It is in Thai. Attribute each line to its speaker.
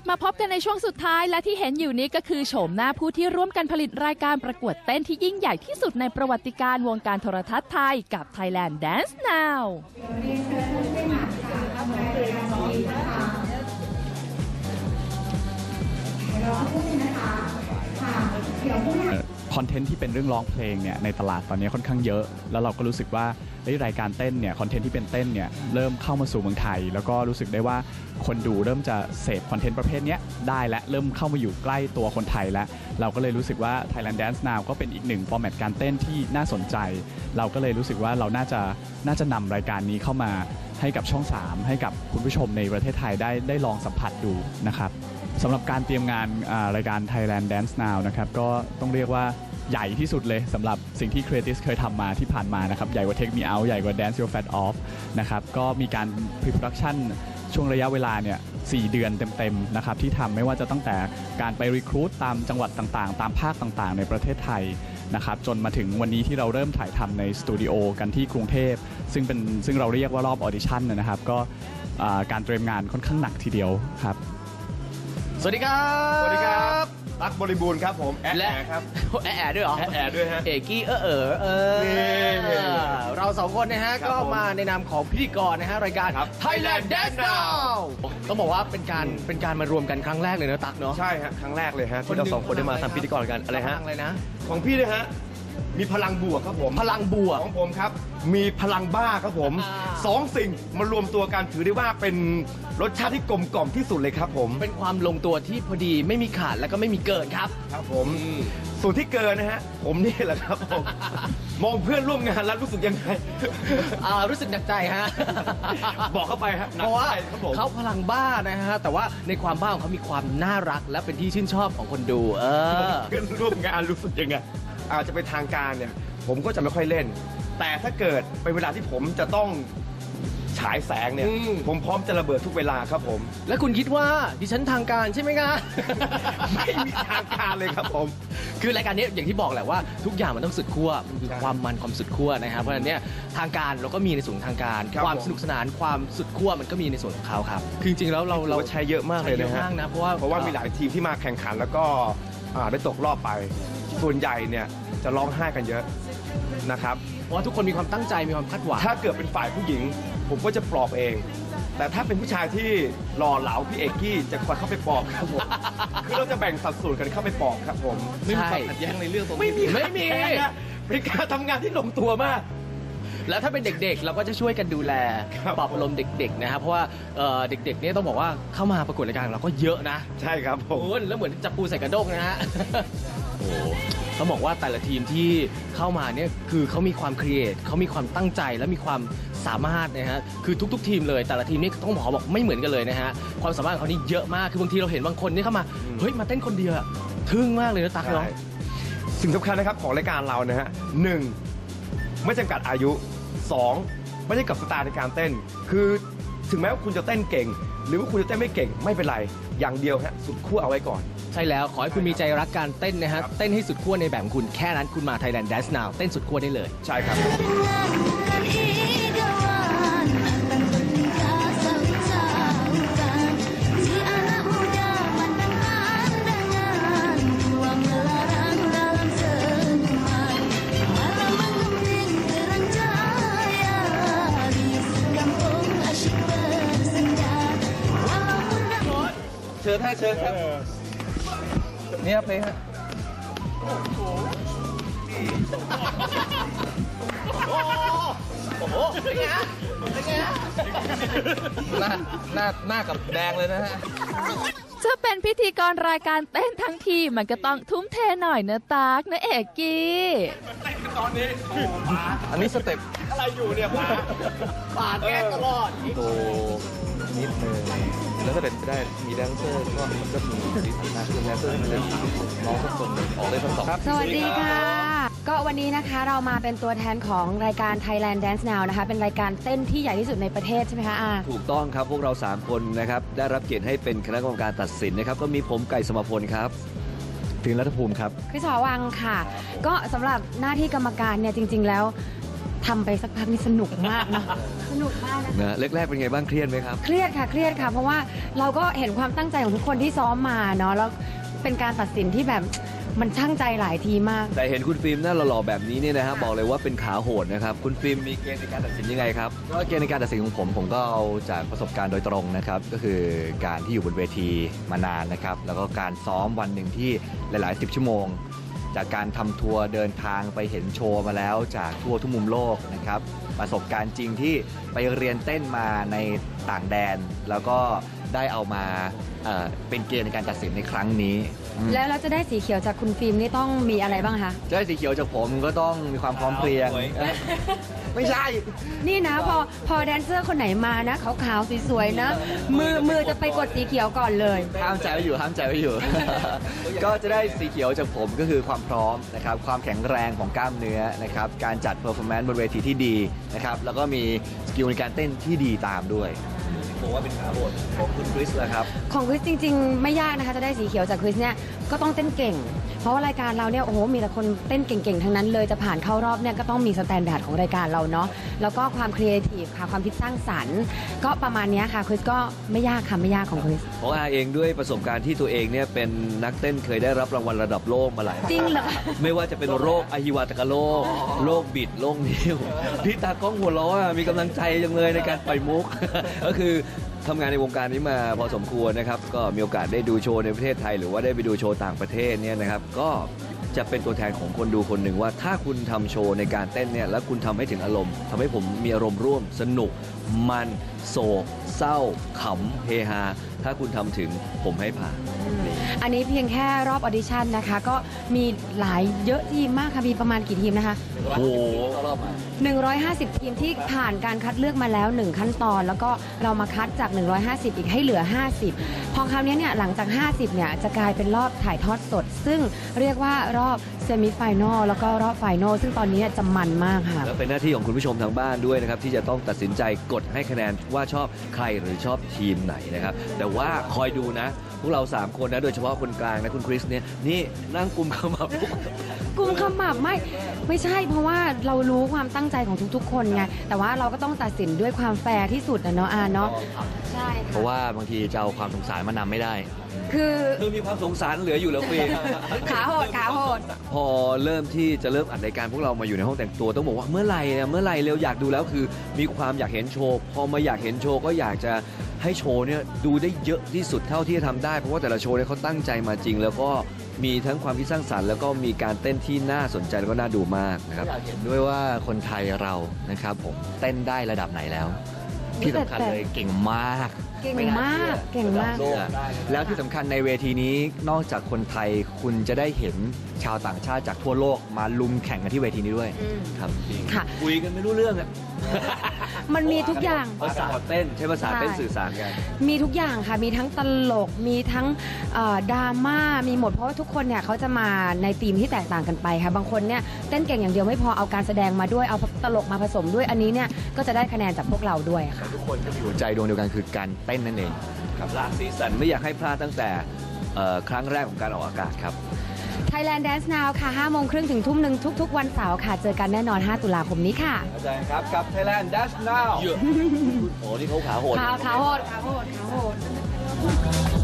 Speaker 1: มาพบกันในช่วงสุดท้ายและที่เห็นอยู่นี้ก็คือโฉมหน้าผู้ที่ร่วมกันผลิตรายการประกวดเต้นที่ยิ่งใหญ่ที่สุดในประวัติการวงการโทรทัศน์ไทยกับ Thailand Dance Now
Speaker 2: คอนเทนต์ที่เป็นเรื่องร้องเพลงเนี่ยในตลาดตอนนี้ค่อนข้างเยอะแล้วเราก็รู้สึกว่ารายการเต้นเนี่ยคอนเทนต์ที่เป็นเต้นเนี่ยเริ่มเข้ามาสู่เมืองไทยแล้วก็รู้สึกได้ว่าคนดูเริ่มจะเสพคอนเทนต์ประเภทนี้ได้และเริ่มเข้ามาอยู่ใกล้ตัวคนไทยแล้วเราก็เลยรู้สึกว่า Thailand Dance Now ก็เป็นอีกหนึ่งฟอร์แมตการเต้นที่น่าสนใจเราก็เลยรู้สึกว่าเราน่าจะนำรายการนี้เข้ามาให้กับช่อง 3ให้กับคุณผู้ชมในประเทศไทยได้ลองสัมผัสดูนะครับสำหรับการเตรียมงานรายการ Thailand Dance Now นะครับก็ต้องเรียกว่าใหญ่ที่สุดเลยสำหรับสิ่งที่ Creatis เคยทำมาที่ผ่านมานะครับใหญ่กว่า Take Me Out ใหญ่กว่า Dance Your Fat Off นะครับก็มีการ Pre-production ช่วงระยะเวลาเนี่ย4 เดือนเต็มๆนะครับที่ทำไม่ว่าจะตั้งแต่การไป recruit ตามจังหวัดต่างๆตามภาคต่างๆในประเทศไทยนะครับจนมาถึงวันนี้ที่เราเริ่มถ่ายทำในสตูดิโอกันที่กรุงเทพซึ่งเราเรียกว่ารอบออดิชั่นนะครับก็การเตรียมงานค่อนข้างหนักทีเดียวครับ
Speaker 3: สวัสดีครับ
Speaker 4: สวัสดีครับตั๊กบริบูรณ์ครับผมแอะครับ
Speaker 3: แอะด้วยเหรอ
Speaker 4: แอะด้วยฮะ
Speaker 3: เอกกี้เราสองคนนะฮะก็มาในนามของพิธีกรนะฮะรายการ Thailand Dance Now ต้องบอกว่าเป็นการมารวมกันครั้งแรกเลยนะตั๊กเนาะ
Speaker 4: ใช่ฮะครั้งแรกเลยฮะที่เราสองคนได้มาทำพิธีกรกันอะไรฮะ
Speaker 3: อะไรนะ
Speaker 4: ของพี่เลยฮะมีพลังบวกครับผม
Speaker 3: พลังบวก
Speaker 4: ของผมครับมีพลังบ้าครับผม2 สิ่งมารวมตัวกันถือได้ว่าเป็นรสชาติที่กลมกล่อมที่สุดเลยครับผม
Speaker 3: เป็นความลงตัวที่พอดีไม่มีขาดแล้วก็ไม่มีเกินครับ
Speaker 4: ครับผมส่วนที่เกินนะฮะผมนี่แหละครับผมมองเพื่อนร่วมงานแล้วรู้สึกยังไง
Speaker 3: รู้สึกหนักใจฮะ
Speaker 4: บอกเข้าไปฮะ
Speaker 3: เพราะว่าเขาพลังบ้านะฮะแต่ว่าในความบ้าของเขามีความน่ารักและเป็นที่ชื่นชอบของคนดู
Speaker 4: เพื่อนร่วมงานรู้สึกยังไงอาจจะเป็นทางการเนี่ยผมก็จะไม่ค่อยเล่นแต่ถ้าเกิดเป็นเวลาที่ผมจะต้องฉายแสงเนี่ยผมพร้อมจะระเบิดทุกเวลาครับผม
Speaker 3: และคุณคิดว่าดิฉันทางการใช่ไหมคะ
Speaker 4: ไม่มีทางการเลยครับผม
Speaker 3: คือรายการนี้อย่างที่บอกแหละว่าทุกอย่างมันต้องสุดขั้วมันคือความมันความสุดขั้วนะครับเพราะฉะนั้นเนี่ยทางการเราก็มีในส่วนทางการความสนุกสนานความสุดขั้วมันก็มีในส่วนของเขาครับคือจริงๆแล้วเรา
Speaker 4: ใช้เยอะมากเลยนะฮะ
Speaker 3: เพราะว่า
Speaker 4: มีหลายทีมที่มาแข่งขันแล้วก็ได้ตกรอบไปส่วนใหญ่เนี่ยจะร้องไห้กันเยอะนะครับ
Speaker 3: เพราะว่าทุกคนมีความตั้งใจมีความคาดหวัง
Speaker 4: ถ้าเกิดเป็นฝ่ายผู้หญิงผมก็จะปลอบเองแต่ถ้าเป็นผู้ชายที่หล่อเหลาพี่เอกกี้จะคอยเข้าไปปลอบครับผมคือเราจะแบ่งสัดส่วนกันเข้าไปปลอบครับผม
Speaker 3: ไม่มีความขัดแย้งในเรื่องตรงนี้ไม่มี
Speaker 4: เป็นการทำงานที่ลงตัวมาก
Speaker 3: แล้วถ้าเป็นเด็กๆเราก็จะช่วยกันดูแลปรับอารมณ์เด็กๆนะครับเพราะว่าเด็กๆเนี่ยต้องบอกว่าเข้ามาประกวดรายการเราก็เยอะนะ
Speaker 4: ใช่ครับผม
Speaker 3: แล้วเหมือนจับปูใส่กระด้งนะฮะโอ้ต้องบอกว่าแต่ละทีมที่เข้ามาเนี่ยคือเขามีความครีเอทเขามีความตั้งใจและมีความสามารถนะฮะคือทุกๆทีมเลยแต่ละทีมนี่ต้องบอกไม่เหมือนกันเลยนะฮะความสามารถของเขานี่เยอะมากคือบางทีเราเห็นบางคนนี่เข้ามาเฮ้ยมาเต้นคนเดียวทึ่งมากเลยนะตั๊กเนาะ
Speaker 4: สิ่งสำคัญนะครับของรายการเรานะฮะ1ไม่จำกัดอายุ2ไม่ได้กับสไตล์ในการเต้นคือถึงแม้ว่าคุณจะเต้นเก่งหรือว่าคุณจะเต้นไม่เก่งไม่เป็นไรอย่างเดียวฮะสุดขั้วเอาไว้ก่อน
Speaker 3: ใช่แล้วขอให้คุณมีใจรักการเต้นนะฮะเต้นให้สุดขั้วในแบบของคุณแค่นั้นคุณมา Thailand Dance Now เต้นสุดขั้วได้เลย
Speaker 4: ใช่ครับ
Speaker 3: เชิญครับเนี่ยเพลงฮะโอ้โหเป็นไงฮะหน้ากับแดงเลยนะฮะ
Speaker 1: จะเป็นพิธีกรรายการเต้นทั้งทีมันก็ต้องทุ่มเทหน่อยนะตั๊กนะเอกกี้
Speaker 4: เต้นตอนนี้
Speaker 3: อันนี้สเต็ป
Speaker 4: อะไรอยู่เนี่ย
Speaker 3: ปาดแก้ตลอด
Speaker 5: โตนิดนึงแล้วถ้าเป็นไปได้มีแดนเซอร์ก็มันก็มีสีสันมากขึ้นแดนเซอร์มันจะน้องทุกคนออกได้ทั้งสอง
Speaker 6: สวัสดีค่ะก็วันนี้นะคะเรามาเป็นตัวแทนของรายการ Thailand Dance Now นะคะเป็นรายการเต้นที่ใหญ่ที่สุดในประเทศใช่ไหมคะ
Speaker 5: ถูกต้องครับพวกเรา3คนนะครับได้รับเกียรติให้เป็นคณะกรรมการตัดสินนะครับก็มีผมไก่สมพลครับถึงรัฐภูมิครับ
Speaker 6: คริสหอวังค่ะก็สำหรับหน้าที่กรรมการเนี่ยจริงๆแล้วทำไปสักพักนี่สนุกมากนะสนุกมากนะ
Speaker 7: นะแรกๆเป็นไงบ้างเครียดไหมครับ
Speaker 6: เครียดค่ะเครียดค่ะ เพราะว่าเราก็เห็นความตั้งใจของทุกคนที่ซ้อมมาเนาะแล้วเป็นการตัดสินที่แบบมันช่างใจหลายทีมาก
Speaker 7: แต่เห็นคุณฟิล์มหน้าหล่อๆแบบนี้เนี่ยนะฮะบอกเลยว่าเป็นขาโหดนะครับคุณฟิล์มมีเกณฑ์ในการตัดสินยังไงครับ
Speaker 8: ก็เกณฑ์ในการตัดสินของผมก็เอาจากประสบการณ์โดยตรงนะครับก็คือการที่อยู่บนเวทีมานานนะครับแล้วก็การซ้อมวันหนึ่งที่หลายๆ10 ชั่วโมง จากการทำทัวร์เดินทางไปเห็นโชว์มาแล้วจากทั่วทุกมุมโลกนะครับประสบการณ์จริงที่ไปเรียนเต้นมาในต่างแดน แล้วก็ได้เอามาเป็นเกณฑ์ในการตัดสินในครั้งนี้
Speaker 6: แล้วเราจะได้สีเขียวจากคุณฟิล์มนี่ต้องมีอะไรบ้างคะ
Speaker 8: จะได้สีเขียวจากผมก็ต้องมีความพร้อมเพรียง ไม่ใช่
Speaker 6: นี่นะพอแดนเซอร์คนไหนมานะขาวๆสวยๆนะมือจะไปกดสีเขียวก่อนเลย
Speaker 8: ห้ามใจไว้อยู่ห้ามใจไว้อยู่ ก็จะได้สีเขียวจากผมก็คือความพร้อมนะครับความแข็งแรงของกล้ามเนื้อนะครับการจัดเพอร์ฟอร์แมนซ์บนเวทีที่ดีนะครับแล้วก็มีสกิลในการเต้นที่ดีตามด้วย
Speaker 7: บอกว่าเป็นขาโหดของคุณคริสแหละครับ
Speaker 6: ของคริสจริงๆไม่ยากนะคะจะได้สีเขียวจากคริสเนี่ยก็ต้องเต้นเก่ง เพราะว่ารายการเราเนี่ยโอ้โหมีแต่คนเต้นเก่งๆทั้งนั้นเลยจะผ่านเข้ารอบเนี่ยก็ต้องมีสแตนดาร์ดของรายการเราเนาะแล้วก็ความครีเอทีฟค่ะความคิดสร้างสรรค์ก็ประมาณเนี้ยค่ะคริสก็ไม่ยากค่ะไม่ยากของคริส
Speaker 7: ของอาเองด้วยประสบการณ์ที่ตัวเองเนี่ยเป็นนักเต้นเคยได้รับรางวัลระดับโลกมาหลาย
Speaker 6: จริงเหรอ
Speaker 7: ไม่ว่าจะเป็นโรคอหิวาตกโรคโรคบิดโรคนิ้วพี่ตากล้องหัวเราะมีกำลังใจจังเลยในการปล่อยมุก ก็คือทำงานในวงการนี้มาพอสมควรนะครับก็มีโอกาสได้ดูโชว์ในประเทศไทยหรือว่าได้ไปดูโชว์ต่างประเทศเนี่ยนะครับก็จะเป็นตัวแทนของคนดูคนหนึ่งว่าถ้าคุณทำโชว์ในการเต้นเนี่ยแล้วคุณทำให้ถึงอารมณ์ทำให้ผมมีอารมณ์ร่วมสนุกมันโศกเศร้าขำเฮฮาถ้าคุณทำถึงผมให้ผ่าน
Speaker 6: อันนี้เพียงแค่รอบออดิชั่นนะคะก็มีหลายเยอะทีมมากค่ะมีประมาณกี่ทีมนะคะ
Speaker 7: โอ้โห
Speaker 6: 150 ทีมที่ผ่านการคัดเลือกมาแล้ว 1 ขั้นตอน แล้วก็เรามาคัดจาก 150 อีกให้เหลือ 50 พอคราวนี้เนี่ยหลังจาก 50 เนี่ยจะกลายเป็นรอบถ่ายทอดสด ซึ่งเรียกว่ารอบเซมิไฟแนลแล้วก็รอบไฟแนลซึ่งตอนนี้จะมันมากค่ะ
Speaker 7: แล้วเป็นหน้าที่ของคุณผู้ชมทางบ้านด้วยนะครับที่จะต้องตัดสินใจกดให้คะแนนว่าชอบใครหรือชอบทีมไหนนะครับแต่ว่าคอยดูนะพวกเรา3คนนะโดยเฉพาะคนกลางนะคุณคริสเนี่ยนี่นั่งกุมขมับทุกคน
Speaker 6: กลุ่มขมับไม่ใช่เพราะว่าเรารู้ความตั้งใจของทุกๆ คนไงแต่ว่าเราก็ต้องตัดสินด้วยความแฟร์ที่สุดนะเนาะเนาะใช่
Speaker 8: เพราะว่าบางทีจะเอาความสงสารมานำไม่ได้
Speaker 6: คือ
Speaker 7: คือมีความสงสารเหลืออยู่แล้วเฟย์
Speaker 6: ขาโหด
Speaker 7: พอเริ่มที่จะเริ่มอัดรายการพวกเรามาอยู่ในห้องแต่งตัวต้องบอกว่าเมื่อไหร่เร็วอยากดูแล้วคือมีความอยากเห็นโชว์พอมาอยากเห็นโชว์ก็อยากจะให้โชว์เนี่ยดูได้เยอะที่สุดเท่าที่จะทำได้เพราะว่าแต่ละโชว์เนี่ยเขาตั้งใจมาจริง แล้วก็มีทั้งความคิดสร้างสรรค์แล้วก็มีการเต้นที่น่าสนใจแล้วก็น่าดูมากนะครับ
Speaker 8: อยากเห็นด้วยว่าคนไทยเรานะครับผมเต้นได้ระดับไหนแล้ว ที่สำคัญเลยเก่งมาก
Speaker 6: เก่งมากเก่งมาก
Speaker 8: แล้วที่สำคัญในเวทีนี้นอกจากคนไทยคุณจะได้เห็นชาวต่างชาติจากทั่วโลกมาลุมแข่งกันที่เวทีนี้ด้วย ครับ
Speaker 6: ค่ะ
Speaker 7: คุยกันไม่รู้เรื่องอะ
Speaker 6: มันมีทุกอย่าง
Speaker 7: ภาษาเต้นใช้ภาษาเต้นสื่อสารกัน
Speaker 6: มีทุกอย่างค่ะ มีทั้งตลก มีทั้งดราม่า มีหมด เพราะว่าทุกคนเนี่ยเขาจะมาในธีมที่แตกต่างกันไปค่ะ บางคนเนี่ยเต้นเก่งอย่างเดียวไม่พอ เอาการแสดงมาด้วย เอาตลกมาผสมด้วย อันนี้เนี่ยก็จะได้คะแนนจากพวกเราด้วยค่ะ
Speaker 8: ทุกคนก็มีหัวใจดวงเดียวกันคือการเต้นนั่นเอง
Speaker 7: ครับหลากสีสันไม่อยากให้พลาดตั้งแต่ครั้งแรกของการออกอากาศครับ
Speaker 6: Thailand Dance Now ค่ะ 5:30 ถึง 12:00 ทุกๆ วันเสาร์ค่ะ เจอกันแน่นอน 5 ตุลาคมนี้ค่ะ
Speaker 4: อาจารย์ครับกับ Thailand Dash Now
Speaker 7: โอ้นี่เขาขาโหด
Speaker 6: ขาโหด